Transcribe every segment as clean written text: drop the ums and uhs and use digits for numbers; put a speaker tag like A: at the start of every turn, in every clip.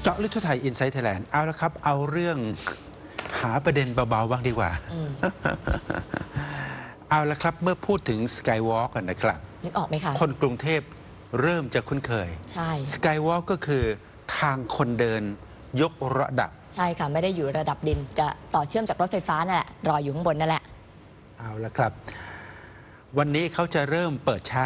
A: เจาะลึกทั่วไทย Inside Thailand เอาละครับเอาเรื่องหาประเด็นเบาๆบ้างดีกว่า เอาละครับเมื่อพูดถึง Skywalk กันนะครับ
B: นึกออกไหมคะ
A: คนกรุงเทพเริ่มจะคุ้นเคย
B: ใช่
A: Skywalk ก็คือทางคนเดินยกระดับ
B: ใช่ค่ะไม่ได้อยู่ระดับดินจะต่อเชื่อมจากรถไฟฟ้านั่นแหละรออยู่ข้างบนนั่นแหละ
A: เอาละครับวันนี้เขาจะเริ่มเปิดใช้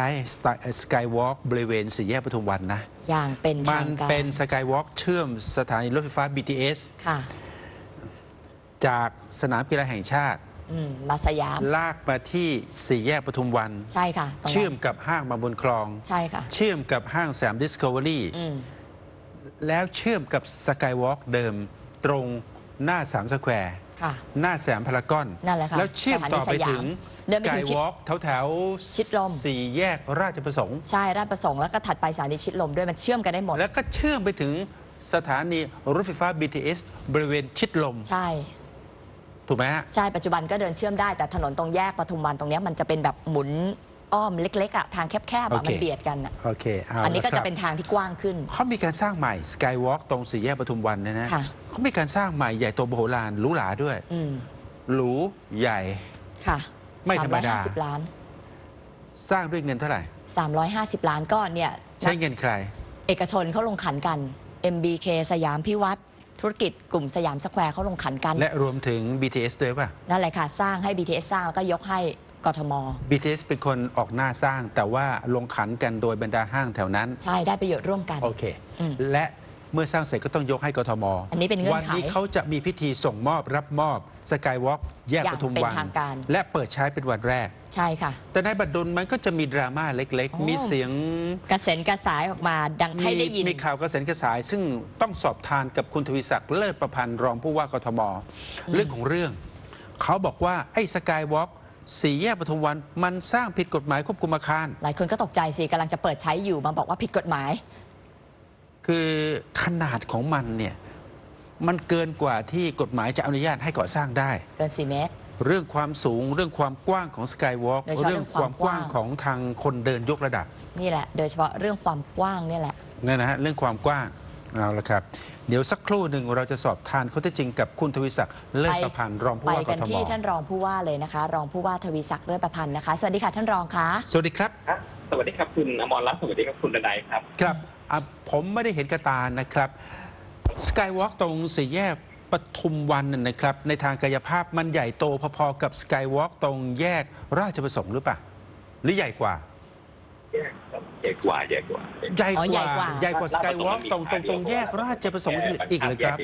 A: Skywalk บริเวณสี่แยกปทุมวันนะ
B: อย่างเป็นทางการ
A: มันเป็น Skywalk เชื่อมสถานีรถไฟฟ้า BTS
B: ค่ะ
A: จากสนามกีฬาแห่งชาติ
B: มาสยาม
A: ลากมาที่สี่แยกปทุมวัน
B: ใช่ค่ะ
A: เชื่อมกับห้างมาบุญคลอง
B: ใช่ค่ะ
A: เชื่อมกับห้างแสมดิสคัฟเวอรี่แล้วเชื่อมกับสกายวอล์กเดิมตรงหน้า3 สแควร์หน้าแสมพารากอน
B: นั่นแหละค่ะ
A: แล้วเชื่อมต่อไปถึงสกายวอล์กแถว
B: ชิดลม
A: สี่แยกราชประสงค์
B: ใช่ราชประสงค์แล้วก็ถัดไปสถานีชิดลมด้วยมันเชื่อมกันได้หมด
A: แล้วก็เชื่อมไปถึงสถานีรถไฟฟ้า BTS บริเวณชิดลม
B: ใช่
A: ถูกไหมฮะ
B: ใช่ปัจจุบันก็เดินเชื่อมได้แต่ถนนตรงแยกปทุมวันตรงนี้มันจะเป็นแบบหมุนอ้อมเล็กๆอ่ะทางแคบๆมันเบียดกันอ่ะ
A: โอเค
B: อันนี้ก็จะเป็นทางที่กว้างขึ้น
A: เขามีการสร้างใหม่ Skywalk ตรงสี่แยกปทุมวันนะเขามีการสร้างใหม่ใหญ่โตมโหฬารหรูหราด้วยหรูใหญ่
B: ค่ะ
A: ไม่ธรรมดา
B: 350 ล้าน
A: สร้างด้วยเงินเท่าไหร่
B: 350 ล้านก็เนี่ย
A: ใช้เงินใคร
B: เอกชนเขาลงขันกัน MBK สยามพิวัตรธุรกิจกลุ่มสยามสแควร์เขาลงขันกัน
A: และรวมถึง BTS ด้วยป่ะ
B: นั่นแหละค่ะสร้างให้ BTS สร้างแล้วก็ยกให้กทม
A: BTS เป็นคนออกหน้าสร้างแต่ว่าลงขันกันโดยบรรดาห้างแถวนั้น
B: ใช่ได้ประโยชน์ร่วมกัน
A: โอเคและเมื่อสร้างเสร็จก็ต้องยกให้กทม
B: อันนี้เป็นเงื่อนไข
A: วันนี้เขาจะมีพิธีส่งมอบรับมอบสกายวอล์กแยกปทุมวันและเปิดใช้เป็นวันแรก
B: ใช่ค่ะ
A: แต่ในบัดดลมันก็จะมีดราม่าเล็กๆมีเสียง
B: กระเซ็นกระสายออกมาดังให้ได้ยิน
A: มีข่าวกระเซ็นกระสายซึ่งต้องสอบทานกับคุณทวีศักดิ์เลิศประพันธ์รองผู้ว่ากทมเรื่องของเรื่องเขาบอกว่าไอ้สกายวอล์กสี่แยกปทุมวันมันสร้างผิดกฎหมายควบคุมอาคาร
B: หลายคนก็ตกใจสิกำลังจะเปิดใช้อยู่มาบอกว่าผิดกฎหมาย
A: คือขนาดของมันเนี่ยมันเกินกว่าที่กฎหมายจะอนุญาตให้ก่อสร้างได้
B: เกิน4 เมตร
A: เรื่องความสูงเรื่องความกว้างของสกายวอล์กเรื่องความกว้างของทางคนเดินยกระดับ
B: นี่แหละโดยเฉพาะเรื่องความกว้างนี่แหละ
A: นั่นนะฮะเรื่องความกว้างเอาละครับเดี๋ยวสักครู่หนึ่งเราจะสอบทานข้อเท็จจริงกับคุณทวีศักดิ์เลิศประพันธ์รองผู้ว่ากทมไป
B: กันที่ท่านรองผู้ว่าเลยนะคะรองผู้ว่าทวีศักดิ์เลิศประพันธ์นะคะสวัสดีค่ะท่านรองคะ
A: สวัสดีครับ
C: สวัสดีครับคุณอมรรัตน์สวัสดีครับคุณดนัยครับ
A: ครับผมไม่ได้เห็นกระตานะครับสกายวอล์กตรงสี่แยกปทุมวันนะครับในทางกายภาพมันใหญ่โตพอๆกับสกายวอล์กตรงแยกราชประสงค์หรือเปล่าหรือใหญ่กว่า
C: ใหญ่กว่า
A: ใหญ่กว่าสกายวอล์กตรงแยกราชประสงค์อีกเลยครับ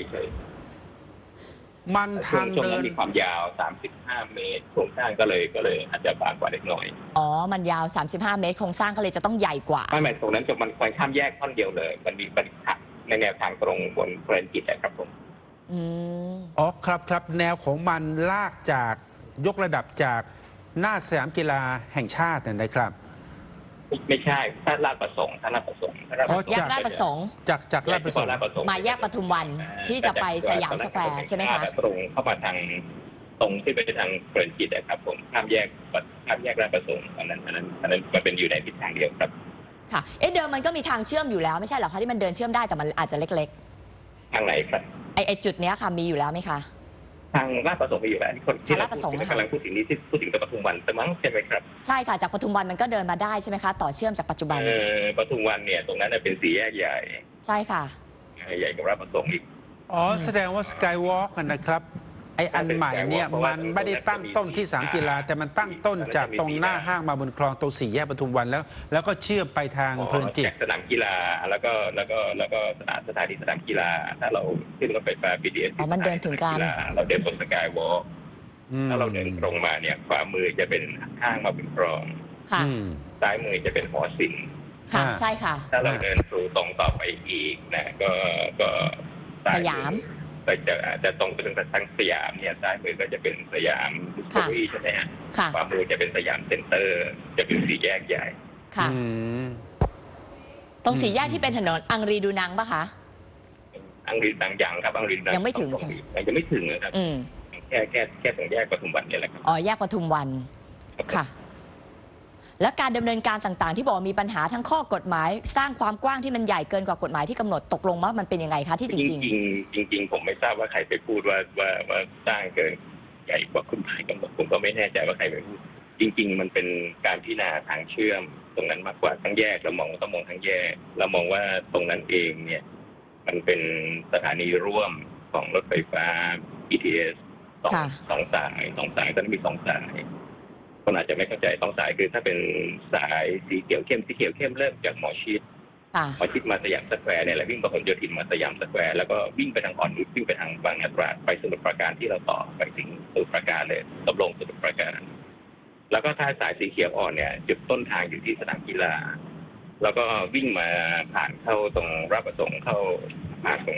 A: มันทางเดิน
C: มีความยาว35 เมตรโครงสร้างก็เลยอาจจะบางกว่าเล็กน้อย
B: มันยาว35 เมตรโครงสร้างก็เลยจะต้องใหญ่กว่า
C: ไม่ตรงนั้นมันควรข้ามแยกท่อนเดียวเลยมันมีบรรทัดในแนวทางตรงบนเพลินจิตนะครับผม
A: อ๋อครับแนวของมันลากจากยกระดับจากหน้าสยามกีฬาแห่งชาตินะครับ
C: ไม่ใช่ถ้าลาดประสงค์
B: แยกราชประสงค์
A: จากราชประสงค์
B: มาแยกปทุมวันที่จะไปสยามสแควร์ใช่ไหมคะ
C: ตรงเข้ามาทางตรงที่ไปทางเพลินจิตนะครับผมข้ามแยกราชประสงค์อันนั้นมันเป็นอยู่ในทิศทางเดียวครับ
B: ค่ะเดิมมันก็มีทางเชื่อมอยู่แล้วไม่ใช่หรอคะที่มันเดินเชื่อมได้แต่มันอาจจะเล็ก
C: ๆทางไหนครับ
B: ไอจุดเนี้ยค่ะมีอยู่แล้วไหมคะ
C: ทางราชประสงค์มีอยู่แล้วคนที่เรากำลังพูดถึงนี้ที่พูดถึงปทุมวันแต่มั้งใช่ไหมครับ
B: ใช่ค่ะจากปทุมวันมันก็เดินมาได้ใช่ไหมคะต่อเชื่อมจากปัจจุบัน
C: ปทุมวันเนี่ยตรงนั้นเป็นสี่แยกใหญ่
B: ใช่ค่ะ
C: ใหญ่กว่าราชประสงค์อีก
A: แสดงว่าสกายวอล์กนะครับไออันใหม่เนี่ยมันไม่ได้ตั้งต้นที่สนามกีฬาแต่มันตั้งต้นจากตรงหน้าห้างมาบนคลองตรงสี่แยกปทุมวันแล้วก็เชื่อมไปทางเพลินจิต
C: สนามกีฬาแล้วก็สถานีสนามกีฬาถ้าเราขึ้นรถไฟฟ้า BTS
B: มันเดินถึงการ
C: เราเดินบนสกายวอล์กถ้าเราเดินตรงมาเนี่ยขวามือจะเป็นห้างมาบนคลองซ้ายมือจะเป็นหอศิลป์
B: ค่ะใช่ค่ะ
C: ถ้าเราเดินตรงต่อไปอีกนะก็
B: สยาม
C: ก็จะตรงไปถึงทางสยามเนี่ยซ้ายมือก็จะเป็นสยามดิสคัฟเวอรี่ใช่ไหมฮะขวามือจะเป็นสยามเซ็นเตอร์จะเป็นสี่แยกใหญ่
B: ค่ะตรงสี่แยกที่เป็นถนนอังรีดูนังปะคะ
C: อังรีดูนังครับอังรีดูนัง
B: ยังไม่ถึงใช่ไหม
C: ยังไม่ถึงนะครับแค่ตรงแยกปทุมวันนี่แหละครับ
B: แยกปทุมวันค่ะและการดำเนินการต่างๆ ที่บอกมีปัญหาทั้งข้อกฎหมาย สร้างความกว้างที่มันใหญ่เกินกว่ากฎหมายที่กำหนดตกลงว่ามันเป็นยังไงคะที่จริง
C: ๆจริงๆผมไม่ทราบว่าใครไปพูดว่าสร้างเกินใหญ่กว่ากฎหมายกำหนดผมก็ไม่แน่ใจว่าใครไปพูดจริงๆมันเป็นการพิจารณาทางเชื่อมตรงนั้นมากกว่าทั้งแยกเราต้องมองทั้งแยกเรามองว่าตรงนั้นเองเนี่ยมันเป็นสถานีร่วมของรถไฟฟ้า BTS สองสายตอนนี้มี2 สายคนอาจจะไม่เข้าใจ2 สายคือถ้าเป็นสายสีเขียวเข้มเริ่มจากหมอชิดมาสยามสแควร์เนี่ยแหละวิ่งไปพหลโยธินมาสยามสแควร์แล้วก็วิ่งไปทางอ่อนนุชวิ่งไปทางบางนาตราดไปสมุทรปราการที่เราต่อไปถึงสมุทรปราการเลยตบลงสมุทรปราการแล้วก็ถ้าสายสีเขียวอ่อนเนี่ยจุดต้นทางอยู่ที่สนามกีฬาแล้วก็วิ่งมาผ่านเข้าตรงราชประสงค์เข้ามาตรง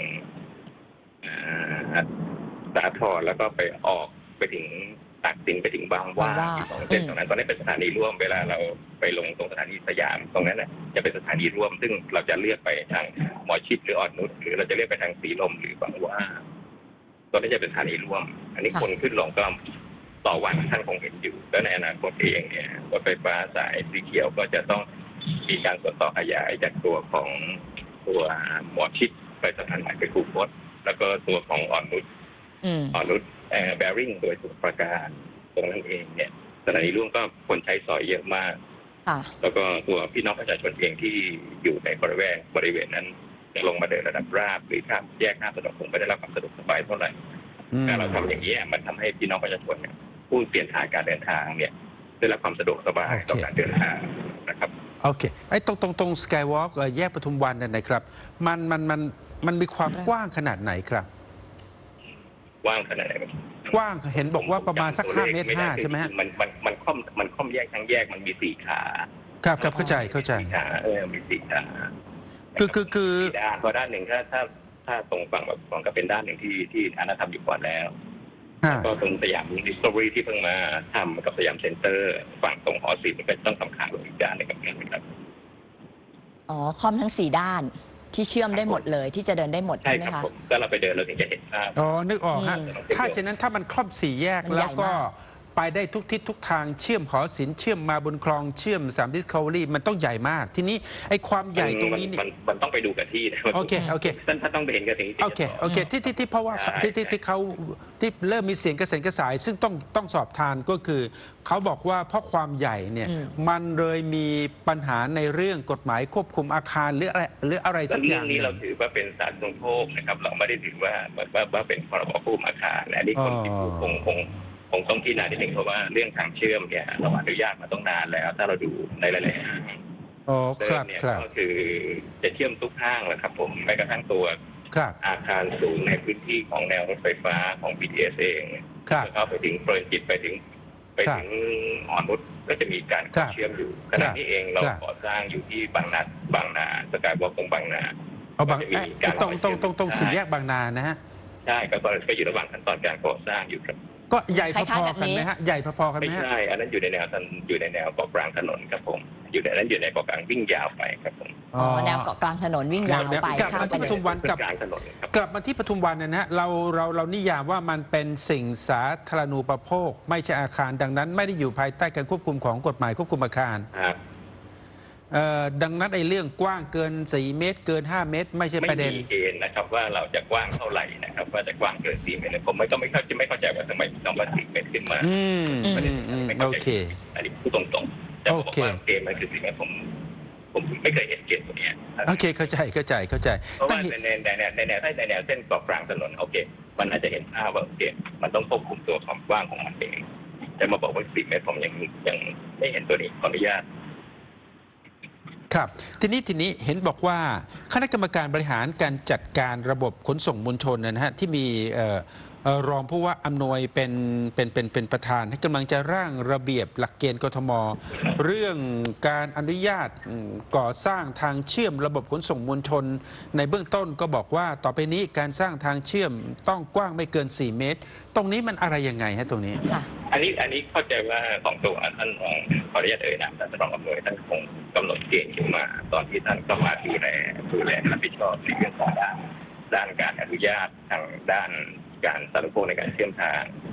C: สาทรแล้วก็ไปออกไปถึงตากสินไปถึงบางหว่าตรงเส้นตรงนั้นตอนนี้เป็นสถานีร่วมเวลาเราไปลงตรงสถานีสยามตรงนั้นจะเป็นสถานีร่วมซึ่งเราจะเลือกไปทางหมอชิดหรืออ่อนนุชหรือเราจะเลือกไปทางสีลมหรือบางหว่าตอนนี้จะเป็นสถานีร่วมอันนี้คนขึ้นลงก็ต่อวันท่านคงเห็นอยู่แล้วในอนาคตเองเนี่ยรถไฟฟ้าสายสีเขียวก็จะต้องมีการส่วนต่อขยายจากตัวของตัวหมอชิดไปสถานีไปคูคตแล้วก็ตัวของอ่อนนุชแบริ่งโดยสมุทรปราการตรงนั้นเองเนี่ยสถานีร่วมก็คนใช้สอยเยอะมากแล้วก็ตัวพี่น้องประชาชนเองที่อยู่ในบริเวณนั้นจะลงมาเดินระดับราบหรือข้ามแยกข้ามถนนคงไม่ได้รับความสะดวกสบายเท่าไหร่การเราทำอย่างนี้มันทำให้พี่น้องประชาชนเนี่ยผู้เปลี่ยนทางการเดินทางเนี่ยได้รับความสะดวกสบายต่อการเดินทางนะครับ
A: โอเคไอ้ตรงสกายวอล์กแยกปทุมวันเนี่ยนะครับมันมีความกว้างขนาดไหนครับ
C: กว้างขนาดไหน
A: กว้างเห็นบอกว่าประมาณสัก5 เมตร 5ใช่ไหมฮะ
C: มันค่อมแยกทั้งแยกมันมี4 ขา
A: ครับเข้าใจ
C: 4 ขามี4 ขา
A: คือ
C: ด้านพอด้านหนึ่งถ้าตรงฝั่งแบบฝั่งก็เป็นด้านหนึ่งที่อนาทำอยู่ก่อนแล้วก็ตรงสยามดิสคัฟเวอรี่ที่เพิ่งมาทำกับสยามเซ็นเตอร์ฝั่งตรงหอศิลป์ก็ต้องทำขาลงอีกด้านหนึ่งกับนั้นนะครับ
B: คอมทั้ง4 ด้านที่เชื่อมได้หมดเลยที่จะเดินได้หมดใช่ไหมคะ
C: ก็เราไปเดินเราถึงจะเห็นภาพ
A: นึกออกฮะถ้าเช่นนั้นถ้ามันครอบ4 แยกแล้วก็ไปได้ทุกทิศทุกทางเชื่อมหอศิลป์เชื่อมมาบนคลองเชื่อมสามดิสคัฟเวอรี่มันต้องใหญ่มากทีนี้ไอ้ความใหญ่ตรงนี้นี่
C: มันต้องไปดูกับที่นะ
A: โอเค
C: ถ้าต้องไปเห็นกับที่
A: โอเคที่เพราะว่าที่เขาที่เริ่มมีเสียงกระเซ็นกระสายซึ่งต้องสอบทานก็คือเขาบอกว่าเพราะความใหญ่เนี่ยมันเลยมีปัญหาในเรื่องกฎหมายควบคุมอาคารหรืออะไรสักอย่าง
C: นี้เราถือว่าเป็นสาธารณูปโภคนะครับเราไม่ได้ถือว่าเป็นพรบควบคุมอาคารอันนี้คนที่พูดคงต้องพิจารณานิดหนึ่งเพราะว่าเรื่องทางเชื่อมเนี่ยเราอนุญาตมาต้องนานแล้วถ้าเราดูในหลายๆห้างเดิมเนี่ยก็คือจะเชื่อมทุกห้างแหละครับผมแม้กระทั่งตัวอาคารสูงในพื้นที่ของแนวรถไฟฟ้าของ BTS เองเข้าไปถึงเพลินจิตไปถึงอ่อนนุชก็จะมีการเชื่อมอยู่ขณะนี้เองเราก่อสร้างอยู่ที่บางนาสกายวอล์กตรงบางนา
A: ตรง4 แยกบางนานะฮะ
C: ใช่ก็อยู่ระหว่างขั้นตอนการก่อสร้างอยู่ครับ
A: ก็ใหญ่พอๆกันไหมฮะใหญ่พอๆกันไหม
C: ไม่ใช่อันนั้นอยู่ในแนวเกาะกลางถนนครับผมอยู่ในเกาะกลางวิ่งยาวไปครับผม
B: แนวเกาะกลางถนนวิ่งยาวไป
A: กลับมาที่ปทุมวันกลับมาที่ปทุมวันนะฮะเรานิยามว่ามันเป็นสิ่งสาธารณูปโภคไม่ใช่อาคารดังนั้นไม่ได้อยู่ภายใต้การควบคุมของกฎหมายควบคุมอาคารดังนั้นไอ้เรื่องกว้างเกิน4 เมตรเกิน5 เมตรไม่ใช่ประเด็น
C: ไม่มีเกณฑ์นะครับว่าเราจะกว้างเท่าไหร่นะครับว่าจะกว้างเกิน4 เมตรผมก็ไม่เข้าใจว่าทำไมน้องว่า4 เมตรขึ้นมา
A: โอเค
C: อันนี้พูดตรงๆแต่บอกว่าเกณฑ์มันคือ4 เมตรผมไม่เคยเห็นเกณฑ์ตัวนี้
A: โอเคเข้าใจ
C: เพราะว่าในแนวเส้นเกาะกลางถนนโอเคมันอาจจะเห็นภาพว่าโอเคมันต้องควบคุมตัวความกว้างของมันเองแต่มาบอกว่า4 เมตรผมยังไม่เห็นตัวนี้ขออนุญาต
A: ครับทีนี้เห็นบอกว่าคณะกรรมการบริหารการจัดการระบบขนส่งมวลชนนะฮะที่มีรองผู้ว่าอำนวยเป็นประธานให้กำลังจะร่างระเบียบหลักเกณฑ์กทม.เรื่องการอนุญาตก่อสร้างทางเชื่อมระบบขนส่งมวลชนในเบื้องต้นก็บอกว่าต่อไปนี้การสร้างทางเชื่อมต้องกว้างไม่เกิน4 เมตรตรงนี้มันอะไรยังไงฮะตรงนี้
C: อันนี้เข้าใจว่าของตัวท่านรองขออนุญาตนามท่านรองอำนวยท่านคงกำหนดเกณฑ์ขึ้นมาตอนที่ท่านเข้ามาดูแลรับผิดชอบในเรื่องของด้านการอนุญาตทางด้านการสาธารณูปโภคในการเชื่อมทาง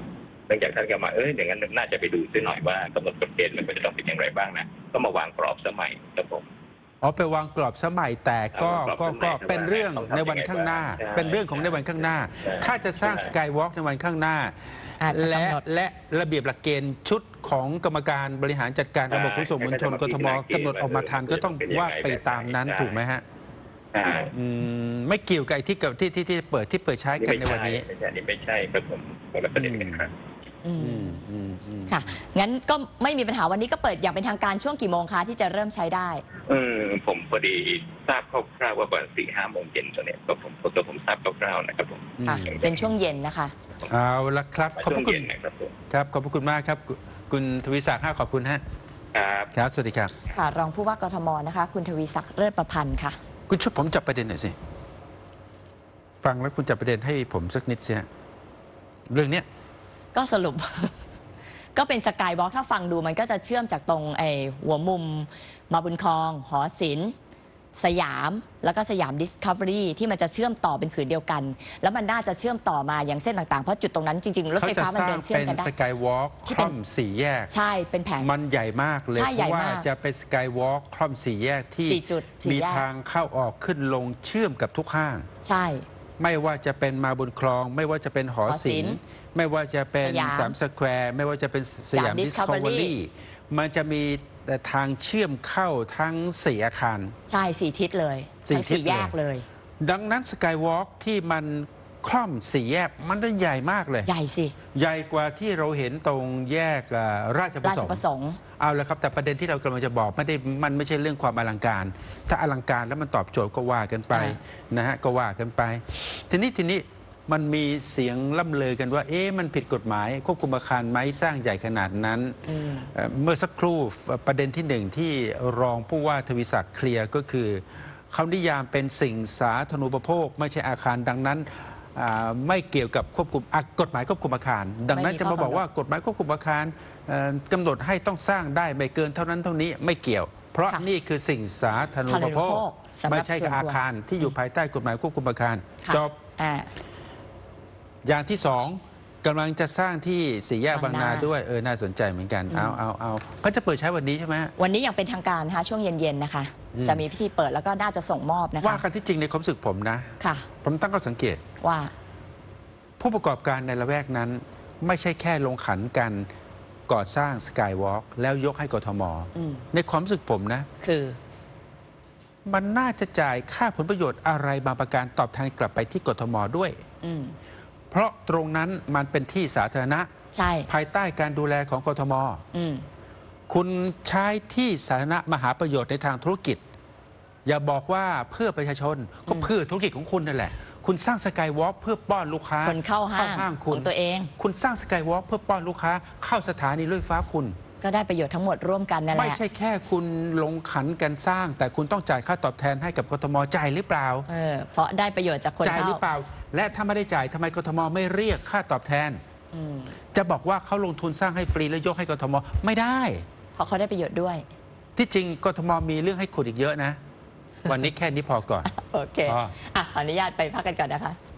C: นื่องจากท่านก็มาอย่างนั้นน่าจะไปดูซิหน่อยว่ากำหนดกฎเกณฑ์มันควรจะต้องเป็นอย่างไรบ้างนะก็มาวางกรอบสมัยครับผม
A: อ๋อไปวางกรอบสมัยแต่ก็เป็นเรื่องในวันข้างหน้า เป็นเรื่องของในวันข้างหน้า ถ้าจะสร้างสกายวอล์กในวันข้างหน้า
B: อาจจะ
A: และ
B: กำหนด
A: และระเบียบหลักเกณฑ์ชุดของกรรมการบริหารจัดการระบบขนส่งมวลชนกทมกำหนดออกมาทันก็ต้องว่าไปตามนั้นถูกไหมฮะไม่เกี่ยวกับที่เปิดใช้กันในวันนี้
C: ไม่ใช่ครับผมคนละประเด็นกันครับ
B: ค่ะ งั้นก็ไม่มีปัญหาวันนี้ก็เปิดอย่างเป็นทางการช่วงกี่โมงคะที่จะเริ่มใช้ได้
C: ผมพอดีทราบคร่าวๆว่าประมาณ4-5 โมงเย็นตัวเนี้ยก็ผมทราบคร่าวๆนะครับผม
B: ค่ะ เป็นช่วงเย็นนะคะ
A: เอาละครับขอบพระคุณ
C: ช่วงเย็นนะครับผม
A: ครับขอบพระคุณมากครับคุณทวีศักดิ์ขอบคุณฮะ
C: ครับ
A: ครับสวัสดีครับ
B: ค่ะ รองผู้ว่ากทมนะคะ คุณทวีศักดิ์เลิศประพันธ์ค่ะ
A: คุณช่วยผมจับประเด็นหน่อยสิฟังแล้วคุณจับประเด็นให้ผมสักนิดสิฮะเรื่องเนี้ย
B: ก็สรุป ก็เป็นสกายวอล์กถ้าฟังดูมันก็จะเชื่อมจากตรงหัวมุมมาบุญคลอง หอศิลป์สยาม แล้วก็สยามดิสคัฟเวอรี่ที่มันจะเชื่อมต่อเป็นผืนเดียวกัน แล้วมันน่าจะเชื่อมต่อมาอย่างเส้นต่างๆ เพราะจุดตรงนั้นจริงๆรถ
A: เขา
B: ไฟ
A: จะ
B: ฟ้า
A: ส
B: มัน
A: ร้าง
B: เดินเชื่อม
A: เป็น
B: กันได้
A: สกายวอล์ก
B: ที่
A: ค
B: เป็น
A: ล่อมสี่แยก
B: ใช่เป็นแผง
A: มันใหญ่มากเลย
B: ใช่
A: เพ
B: ใหญ่
A: ราะว่าม
B: าก
A: จะเป็นสกายวอล์กคล่อมสี่แยกที่
B: สี่จุดสี่
A: มี
B: แยก
A: ทางเข้าออกขึ้นลงเชื่อมกับทุกห้าง
B: ใช่
A: ไม่ว่าจะเป็นมาบุญคลอง ไม่ว่าจะเป็นหอศิลป์ไม่ว่าจะเป็น
B: สยาม
A: สามสแควร์ไม่ว่าจะเป็นสยาม
B: สยาม
A: ดิสคัฟเวอ
B: Discovery
A: รี่มันจะมีแต่ทางเชื่อมเข้าทั้งสี่อาคาร
B: ใช่4 ทิศเลย
A: สี่
B: ทั้ง
A: ทิศ
B: 4 แยก
A: เลย
B: เลย
A: ดังนั้นสกายวอล์กที่มันคล่อมสี่แยกมันได้ใหญ่มากเลย
B: ใหญ่สิ
A: ใหญ่กว่าที่เราเห็นตรงแยกราชประ
B: รา
A: ส
B: ช
A: ง
B: ประ
A: ค์
B: สงค์
A: เอาละครับแต่ประเด็นที่เรากำลังจะบอกมันไม่ใช่เรื่องความอลังการ ถ้าอลังการแล้วมันตอบโจทย์ก็ว่ากันไปนะฮะก็ว่ากันไป ทีนี้มันมีเสียงล่ำลือกันว่ามันผิดกฎหมายควบคุมอาคารไหมสร้างใหญ่ขนาดนั้นเมื่อสักครู่ประเด็นที่หนึ่งที่รองผู้ว่าทวีศักดิ์เคลียร์ก็คือเขานิยามเป็นสิ่งสาธารณูปโภค ไม่ใช่อาคารดังนั้นไม่เกี่ยวกับควบคุมกฎหมายควบคุมอาคาร ดังนั้นจะมาบอกว่ากฎหมายควบคุมอาคารกำหนดให้ต้องสร้างได้ไม่เกินเท่านั้นเท่านี้ไม่เกี่ยว เพราะ
B: ค่ะ
A: นี่คือสิ่งสาธารณูปโภค
B: สำหรับ
A: ไม่ใช่กับอาคารที่อยู่ภายใต้กฎหมายควบคุมอาคาร
B: ค่ะ
A: จบ
B: อ่า
A: อย่างที่สองกำลังจะสร้างที่สี่แยกบางนา
B: บางนา
A: ด้วยน่าสนใจเหมือนกันเอาก็จะเปิดใช้วันนี้ใช่ไหม
B: วันนี้อย่างเป็นทางการนะคะช่วงเย็นๆนะคะ จะมีพิธีเปิดแล้วก็น่าจะส่งมอบนะคะ
A: ว่ากันที่จริงในความรู้สึกผมนะ
B: ค่ะ
A: ผมตั้งข้อสังเกต
B: ว่า
A: ผู้ประกอบการในละแวกนั้น ไม่ใช่แค่ลงขันกันก่อสร้างสกายวอล์กแล้วยกให้กทม ในความรู้สึกผมนะ
B: คือ
A: มันน่าจะจ่ายค่าผลประโยชน์อะไรบางประการตอบแทนกลับไปที่กทมด้วย
B: อืม
A: เพราะตรงนั้นมันเป็นที่สาธารณะ
B: ใช่
A: ภายใต้การดูแลของกทม
B: อืม
A: คุณใช้ที่สาธารณะมาหาประโยชน์ในทางธุรกิจ อย่าบอกว่าเพื่อประชาชนก็เพื่อธุรกิจของคุณนั่นแหละ คุณสร้างสกายวอล์กเพื่อป้อนลูกค้า
B: คนเข้าห้าง
A: คุ
B: ข
A: ณ
B: องตัวเอง
A: คุณสร้างสกายวอล์กเพื่อป้อนลูกค้า เข้าสถานีรถไฟฟ้าคุณ
B: ก็ได้ประโยชน์ทั้งหมดร่วมกันนั่นแห
A: ไม่
B: ละ
A: ใช่แค่คุณลงขันกันสร้าง แต่คุณต้องจ่ายค่าตอบแทนให้กับกทมจ่ายหรือเปล่า
B: เพราะได้ประโยชน์จากคน
A: จ่ายห
B: เข้า
A: รือเปล่า และถ้าไม่ได้จ่ายทำไมกทมไม่เรียกค่าตอบแทน จะบอกว่าเขาลงทุนสร้างให้ฟรีแล้วยกให้กทมไม่ได้
B: เพราะเขาได้ประโยชน์ด้วย
A: ที่จริงกทมมีเรื่องให้ขุดอีกเยอะนะ วันนี้แค่นี้พอก่อน
B: โอเค
A: อ๋อ
B: ขออนุญาตไปพักกันก่อนนะคะ